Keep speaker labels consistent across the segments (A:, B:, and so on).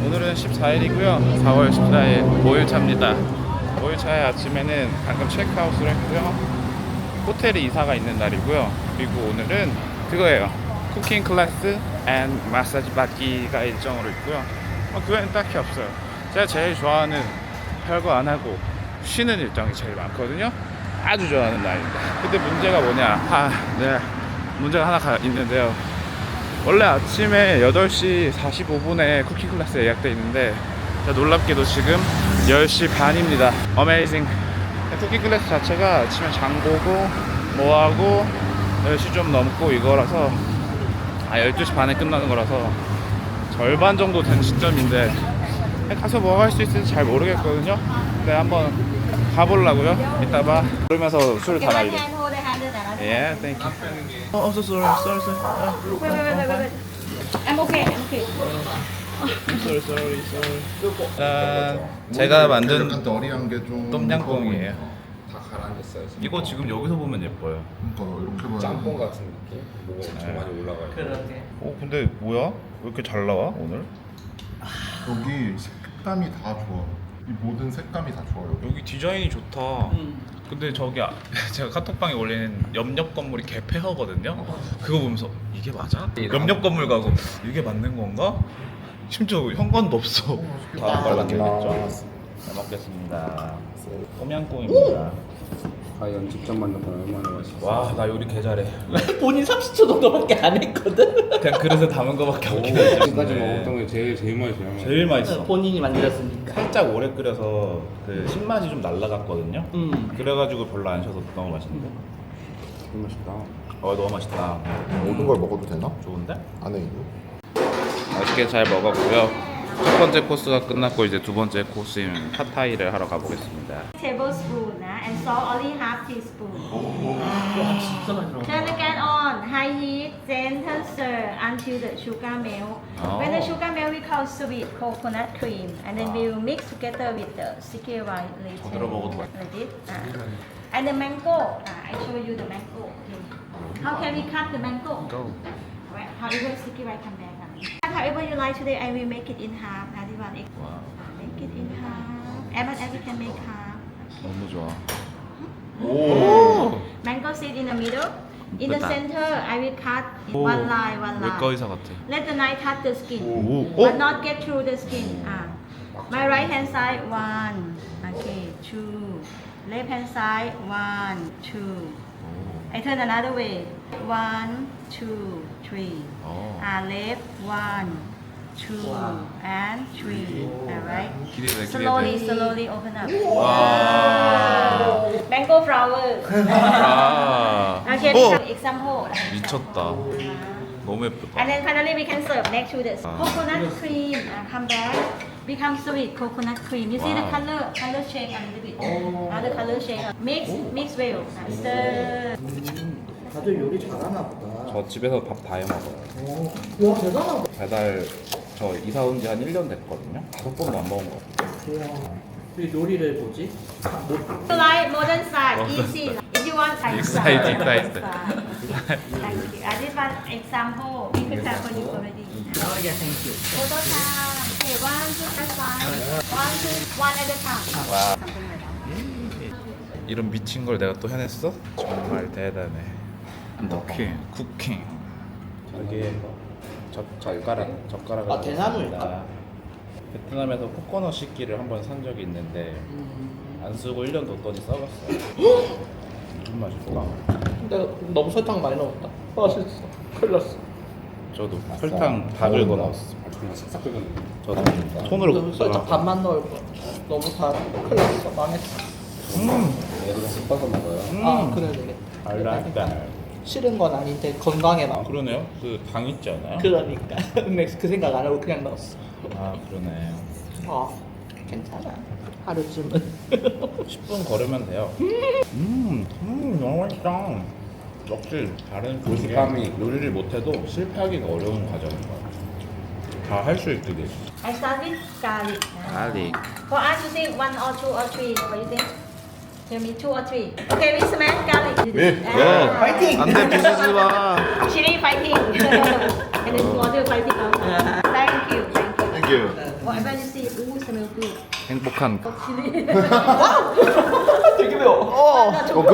A: 오늘은 14일이고요 4월 14일 5일차입니다 5일차의 아침에는 방금 체크아웃을 했고요 호텔에 이사가 있는 날이고요 그리고 오늘은 그거예요 쿠킹 클래스 앤 마사지 받기가 일정으로 있고요 그거는 딱히 없어요 제가 제일 좋아하는 별거 안 하고 쉬는 일정이 제일 많거든요 아주 좋아하는 날입니다 근데 문제가 뭐냐 네 문제가 하나 있는데요 원래 아침에 8시 45분에 쿠킹 클래스 예약돼 있는데 놀랍게도 지금 10시 반입니다. 어메이징. 쿠킹 클래스 자체가 아침에 장 보고 뭐하고 10시 좀 넘고 이거라서 12시 반에 끝나는 거라서 절반 정도 된 시점인데 가서 뭐 할 수 있을지 잘 모르겠거든요. 근데 한번 가보려고요. 이따 봐. 그러면서 술 다 날려. Yeah, thank you. Oh, so sorry.
B: Wait. I'm okay.
A: Sorry. 제가 만든
C: 약간 너리한 게좀
A: 똠양꿍이에요.
D: 다 가라앉았어요. 지금.
A: 이거 지금 여기서 보면 예뻐요.
C: 그러니까 이렇게 봐야
D: 짬뽕 같은 느낌? 뭐가 엄청 많이 올라가요.
B: 그러게.
A: 근데 뭐야? 왜 이렇게 잘 나와 오늘?
C: 여기 색감이 다 좋아. 이 모든 색감이 다 좋아요.
A: 여기 디자인이 좋다. 근데 저기 제가 카톡방에 올리는 옆 건물이 개폐허거든요. 그거 보면서 이게 맞아? 옆 건물 가고 이게 맞는 건가? 심지어 현관도 없어. 다 빨갛겠죠. 잘 먹겠습니다. 똠양꿍입니다.
D: 과연 직접 만든 건 얼마나 맛있어?
A: 와, 나 요리 개 잘해.
B: 본인 30초 정도밖에 안 했거든.
A: 그냥 그릇에 담은 거밖에 없긴 해.
D: 지금까지 먹었던 게 제일 맛있어요.
A: 제일 맛있어.
B: 본인이 만들었으니까.
A: 살짝 오래 끓여서 그 신맛이 좀 날라갔거든요. 그래가지고 별로 안 셔서 너무 맛있는데.
D: 제일 맛있다.
A: 너무 맛있다.
C: 모든 걸 먹어도 되나?
A: 좋은데?
C: 안에 이거?
A: 맛있게 잘 먹었고요. 첫 번째 코스가 끝났고 이제 두 번째 코스인 팟타이를 하러 가보겠습니다.
E: tablespoon and salt only half teaspoon.
B: 진짜 맛있어.
E: Turn the gas on high heat, gentle stir until the sugar melt.
A: Oh.
E: When the sugar melt, we call sweet coconut cream, and then we will mix together with the sticky rice later.
A: 들어 먹어도 맛있어.
E: Like this. And the mango. I show you the mango. Okay. How can we cut the mango?
A: Go.
E: Alright. However, sticky rice come back. However you like today, I will make it in half. This one,
A: 와,
E: make it in half. Every can make half.
A: 너무 좋아. 오.
E: Mango seed in the middle. In the
A: 예쁘다.
E: center, I will cut
A: 오.
E: one line.
A: 외과 의사 같아.
E: Let the knife touch the skin,
A: 오.
E: but not get through the skin. My right hand side, one. Okay, two. Left hand side, one, two. I turn another way. One, two, three. Left, one, two, and three. Alright.
A: 기대돼.
E: Slowly open up.
A: 와.
E: Mango flower.
A: 아.
E: Okay,
A: 오.
E: example.
A: 미쳤다. 너무 예쁘다.
E: And then finally we can serve next to this
A: Ah.
E: coconut cream. Come back. Become sweet coconut cream. You see the
A: Wow.
E: color change a little bit. The color change. Mix well. Stir.
B: 다들 요리 잘하나 보다.
A: 저 집에서 밥 다 해 먹어요.
B: 와 대단하다.
A: 배달 저 이사 온 지 한 1년 됐거든요. 5번도 안 먹은 것 같아요.
B: 와. 이 요리를 뭐지?
E: You like modern style, easy. If you want
A: Excited.
E: Thank you. This one example. We prepare for you already.
B: Yeah, thank you.
E: Photo time. Okay, one, two, that's fine. One at a time.
A: 와.
E: Something like that.
A: 이런 미친 걸 내가 또 해냈어? 정말 대단해. 쿠킹. 여기에 젓가락을
B: 대나무일까?
A: 베트남에서 코코넛 식기를 한번 산 적이 있는데 안 쓰고 1년 뒀더니 썩었어요. 무슨 맛일까?
B: 근데 너무 설탕 많이 넣었다. 맛있어. 큰일 났어.
A: 저도 설탕 다 긁어 넣었어.
D: 그냥 싹싹 긁었는데.
A: 저도 손으로
B: 살짝 반만 넣을 거야. 너무 다 큰일 났어. 망했어.
D: 얘도 섞어서 먹어요.
B: 아 그래 되겠다.
A: I like that.
B: 싫은 건 아닌데 건강에 나.
A: 그러네요. 그 당 있지 않아요?
B: 그러니까. 근데 그 생각 안 하고 그냥 넣었어.
A: 아 그러네.
B: 아 괜찮아. 하루쯤은.
A: 10분 걸으면 돼요. 너무 맛있다. 역시 다른
D: 고식감이.
A: 요리를 못해도 실패하기가 어려운 과정인 것 같아요. 다 할 수 있게 돼 있어.
E: I start with garlic.
A: 갈릭.
E: For us, you think one or two or three. What do you think? Tell me two or three. Okay, we smash garlic.
B: 파이팅!
A: 안돼 부수지 마.
E: Chili fighting. And then water fighting. Thank you.
C: Thank you.
E: Whatever you see, ooh, smell good.
A: 행복한
E: Chili.
B: 되게 매워.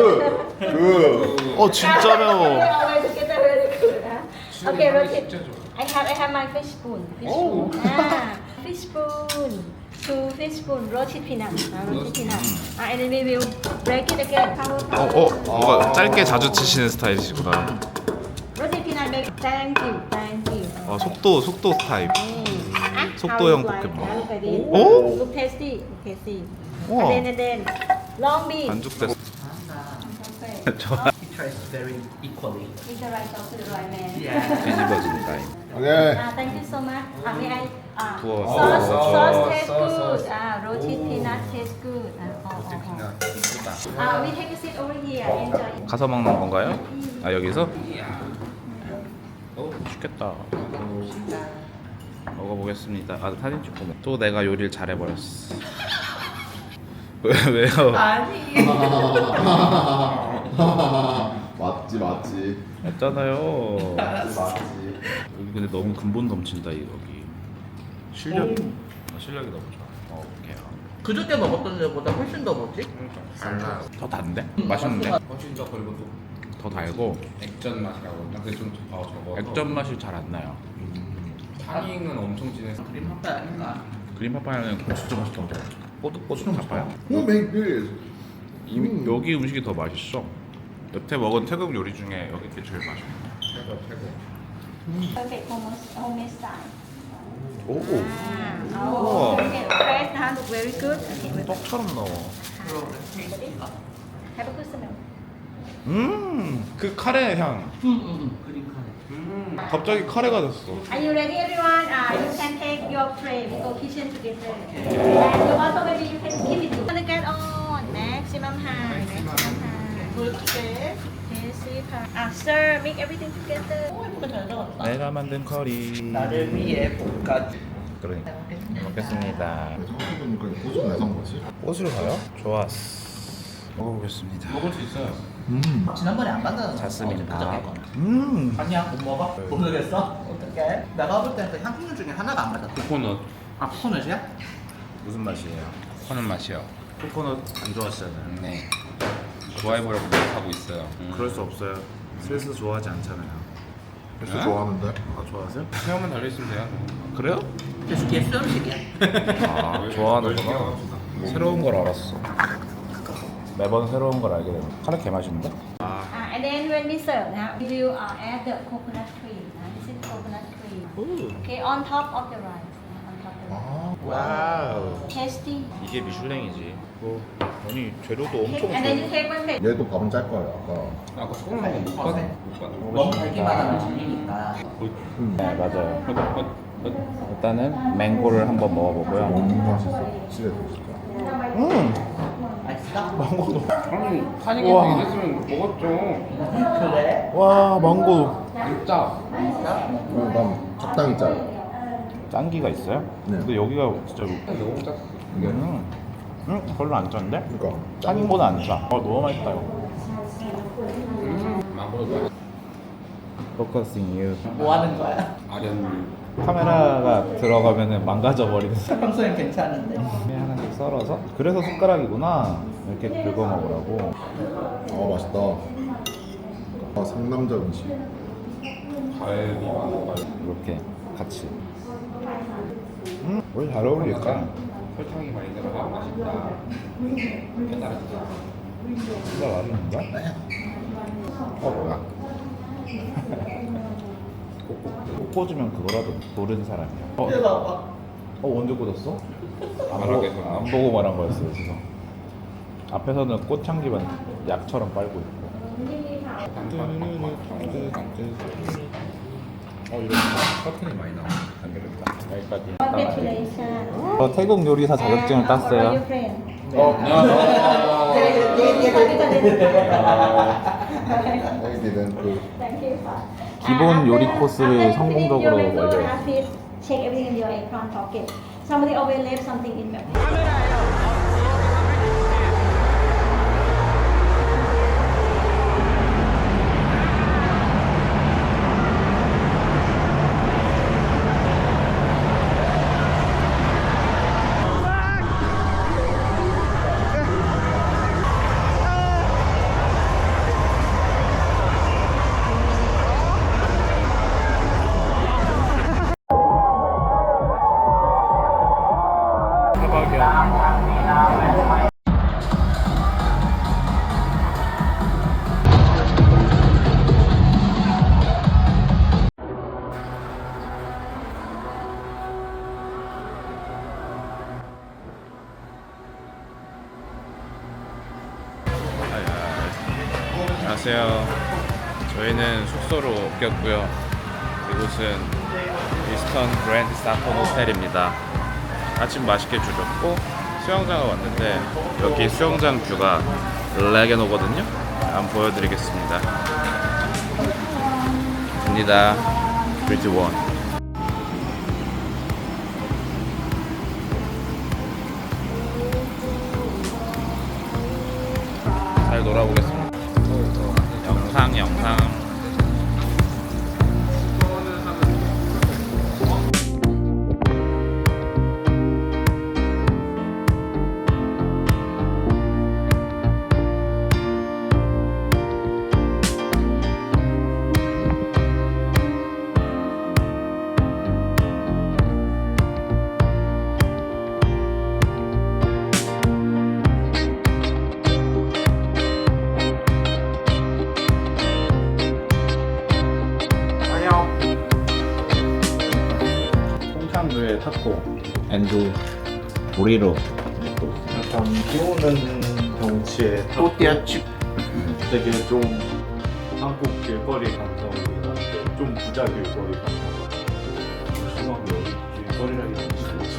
A: 진짜 매워.
E: Always together very good. Okay, rotate. I have my fish spoon. Fish spoon. Fish spoon. 2 fish spoon roasted peanut. Roasted peanut. And then we will break it again. Power.
A: 뭔가 짧게 자주 치시는 스타일이시구나.
E: Roasted peanut make. Thank you. Thank you.
A: 속도 타입. 속도형 볶음밥.
E: 오? Look tasty. Look tasty.
A: 우와.
E: And then long bean.
A: 반죽됐어. 좋아.
B: He tries very equally.
E: With the right sauce to the right man.
B: Yeah.
A: 뒤집어지는 타입.
C: 오케이.
E: Thank you so much. May I?
A: 부어.
E: Sauce tastes good. Roasted peanut tastes good. We take a seat over here. Enjoy.
A: 가서 먹는 건가요? 아 여기서? 맛있겠다. 먹어보겠습니다. 아 사진 찍고 먹. 또 내가 요리를 잘해버렸어. 왜요?
C: 맞지.
A: 했잖아요.
C: 맞지.
A: 여기 근데 너무 근본 넘친다 이 여기. 실력이 너무 좋아. 오케이.
B: 그저께 먹었던 데보다 훨씬 더 뭐지?
A: 더 단데? 맛있는데?
D: 훨씬 더 그리고 또
A: 더 달고
D: 액젓 맛이라고. 근데 좀 적어.
A: 액젓 맛이 잘 안 나요.
D: 타닝은 엄청 진해서.
B: 그림 한발 아닌가?
A: 그린 파파야는 진짜 맛있던데. 뽀득뽀득 파파야.
C: Who made this?
A: 여기 음식이 더 맛있어. 여태 먹은 태국 요리 중에 여기 게 제일 맛있어.
E: Perfect homemade style.
A: 오,
E: Oh, okay. Fresh, look very good. Okay,
A: 떡처럼 나와.
E: have a good smell.
A: 그 카레 향.
B: 그림 카레.
A: 갑자기 카레가 됐어.
E: Are you ready, everyone? You can take your tray. We go kitchen together. And you also maybe you can keep it. Gonna get on maximum high. Maximum high.
B: Good shape.
E: Yes, sir, make everything together.
B: 예쁘게 잘 적었다.
A: 내가 만든 커리.
B: 나를 위해 볶아.
A: 그러니까 먹겠습니다.
C: 성격은 고수 내선 거지?
A: 꽃으로 가요? 좋았어. 먹어보겠습니다.
D: 먹을 수 있어요.
B: 지난번에 안 만나서
A: 자스민
B: 그저께
A: 밥.
B: 거는. 아니야 못 먹어? 못 먹겠어? 어떡해? 내가 볼 때는 그 향신료 중에 하나가 안 맞았다.
D: 코코넛.
B: 아 코코넛이야?
A: 무슨 맛이에요?
D: 코코넛 맛이요.
A: 코코넛 안 좋아하시잖아요.
D: 네. 좋아해보려고 노력하고 있어요.
A: 그럴 수 없어요. 슬슬 좋아하지 않잖아요.
C: 그래서 좋아하는데?
A: 아 좋아하세요?
D: 체험만 달려있으면 돼요.
A: 그래요?
B: 그래서 걔 수염식이야.
A: 아 좋아하는구나. 새로운 걸 알았어. 매번 새로운 걸 알게 되는. 카레 개 맛있는데?
E: And then when we serve, we will add the coconut cream. This is coconut cream. Okay, on top of the rice. On top of the rice.
A: 와우.
E: Tasty.
A: 이게 미슐랭이지. 뭐 아니 재료도 엄청
E: And then you
A: 좋아.
E: take one plate.
C: 얘도 밥은 짤 거예요.
D: 아까 소금 먹은 거못 봤어. 못 봤어.
B: 너무 달기만 하면 질리니까.
A: 네 맞아요. 일단은 맹고를 한번 먹어보고요.
C: 너무 맛있어. 집에 진짜.
B: 맛있어?
D: 아니 타닝이
A: 우와.
D: 되겠으면 먹었죠.
B: 그래?
A: 와 망고.
D: 진짜.
C: 난 적당히 짜요.
A: 짠기가 있어요?
C: 네.
A: 근데 여기가 진짜
D: 너무 짰어.
A: 별로 안 짠데?
C: 그러니까
A: 짠보다 안 짜. 너무 맛있다 이거.
D: 망고도
A: Focusing you.
B: 뭐 하는 거야?
D: 아련물.
A: 카메라가 들어가면은 망가져 버리는.
B: 평소엔 괜찮은데.
A: 하나씩 썰어서. 그래서 숟가락이구나. 이렇게 긁어 먹으라고.
C: 맛있다. 상남자 음식.
D: 과일이 많아.
A: 이렇게 같이. 왜 잘 어울릴까?
D: 설탕이 많이 들어가 맛있다. 깨달았다.
A: 진짜 맛있는가? 뭐야? 꼭 꽂으면 그거라도 모르는 사람이야.
B: 이거 봐봐.
A: 언제 꽂았어?
D: 말하게
A: 안 보고 말한 거였어요, 그래서. 앞에서는 꽃향기만 약처럼 빨고 있고. 이렇게 커튼이 많이 나와. 안 되겠다. 여기까지.
E: Congratulations.
A: 태국 요리사 자격증을
E: For
A: 땄어요.
E: your friend.
C: 애기는 그
E: Thank you.
A: 기본 요리 코스를 성공적으로 완료했어요.
E: Check everything in your apron pocket. Somebody always left something in your
A: 대박이야. 안녕하세요. 저희는 숙소로 옮겼고요. 이곳은 이스턴 그랜드 사톤 호텔입니다. 아침 맛있게 주셨고 수영장을 왔는데 여기 수영장 뷰가 레게노거든요. 한번 보여드리겠습니다. 갑니다. 3, 2, 1. 잘 놀아보겠습니다. 영상.
F: 통창두의 타코 앤드 보리로 약간 비오는 경치에 또띠아칩 되게 좀 한국 길거리 감성이 나는데 좀 부자 길거리 감성 심하게 여기 길거리라기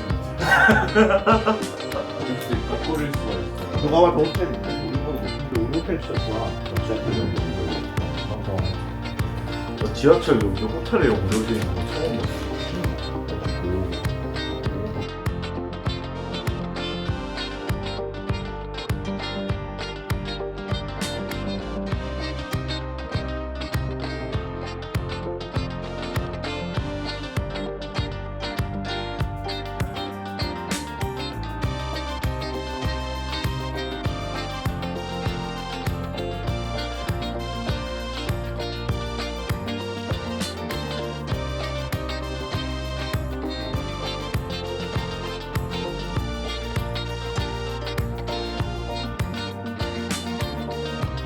F: 꼬릴 수가 있어요. 누가 봐도 호텔인데 우리 호텔 진짜 좋아. 지하철 연결 항상 지하철 연결 호텔에 연결되어 있는 거 처음